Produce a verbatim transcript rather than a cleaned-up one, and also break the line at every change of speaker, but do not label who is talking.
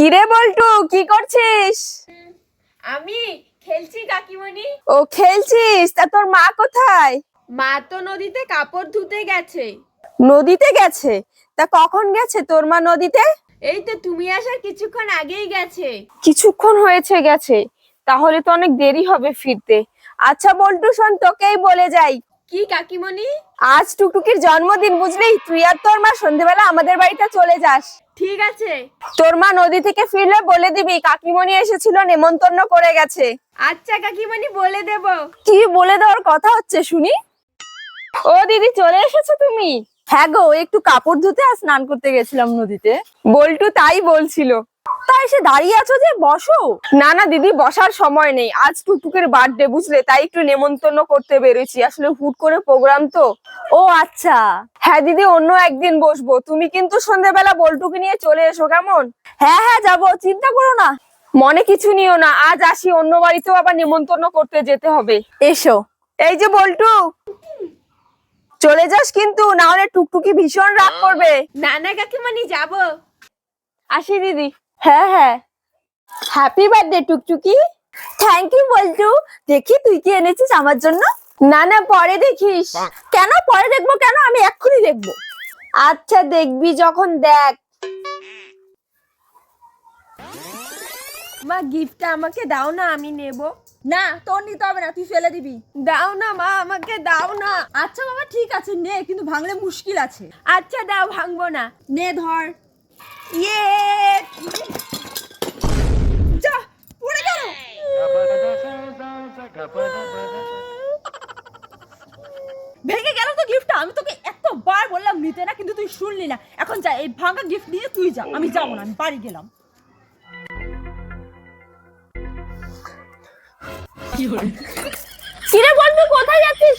কিরে বল্টু, কি করছিস?
আমি খেলছি কাকিমণি।
ও খেলছিস? তা তোর মা কোথায়?
মা তো নদীতে কাপড় ধুতে গেছে।
নদীতে গেছে? তা কখন গেছে তোর মা নদীতে?
এই তো তুমি আসার কিছুক্ষণ আগেই গেছে।
কিছুক্ষণ হয়েছে গেছে? তাহলে তো অনেক দেরি হবে ফিরতে। আচ্ছা বল্টু শোন, তোকেই বলে যাই,
কি কাকিমণি?
আজ টুকটুকির জন্মদিন বুঝলি, তুই আর তোর মা সন্ধেবেলা আমাদের বাড়িতে চলে যাস।
ঠিক আছে।
তোর মা নদী থেকে ফিরলে বলে দিবি কাকিমণি এসেছিল, নেমন্তন্ন করে গেছে।
আচ্ছা কাকিমণি, বলে দেব।
কি বলে দেওয়ার কথা হচ্ছে শুনি? ও দিদি, চলে এসেছো তুমি? হ্যাঁ গো, একটু কাপড় ধুতে আর স্নান করতে গেছিলাম নদীতে। বল্টু তাই বলছিল। তাই এসে দাঁড়িয়ে আছো যে, বসো। না না দিদি, বসার সময় নেই, আজ টুকটুকের বার্থডে বুঝলে, তাই একটু নেমন্তন্ন করতে বেরোছি, আসলে হুট করে প্রোগ্রাম তো। ও আচ্ছা। হ্যাঁ দিদি, অন্য একদিন বসবো, তুমি কিন্তু সন্ধ্যাবেলা বল্টুকে নিয়ে চলে এসো, কেমন? হ্যাঁ হ্যাঁ যাবো, চিন্তা করো না। মনে কিছু নিও না, আজ আসি, অন্য বাড়িতেও আবার নেমন্তন্ন করতে যেতে হবে। এসো। এই যে বল্টু, চলে যাস কিন্তু, না হলে টুকটুকি ভীষণ রাগ করবে।
না না কাকিমণি, যাব।
আসি দিদি। হ্যাঁ হ্যাঁ। Happy birthday Tuktuki. Thank you Boltu. দেখি তুই কি এনেছিস আমার জন্য। না না, পরে দেখিস। কেন পরে দেখবো কেন, আমি এক্ষুনি দেখবো। আচ্ছা দেখবি যখন দেখ।
মা, গিফটটা আমাকে দাও না, আমি নেব।
না, তোর নিতে হবে না, তুই ফেলে দিবি।
দাও না মা, আমাকে দাও না।
আচ্ছা বাবা, ঠিক আছে নে, কিন্তু ভাঙলে মুশকিল আছে।
আচ্ছা দাও, ভাঙবো না।
নে ধর।
ইয়ে,
যা, পড়ে গেল। ভেঙে গেল তো গিফটটা। আমি তোকে এতবার বললাম নিতে না, কিন্তু তুই শুনলি না। এখন যা, এই ভাঙা গিফট নিয়ে তুই যা, আমি যাবো না, আমি বাড়ি গেলাম।
কিরে বলবি, কোথায় যাচ্ছিস?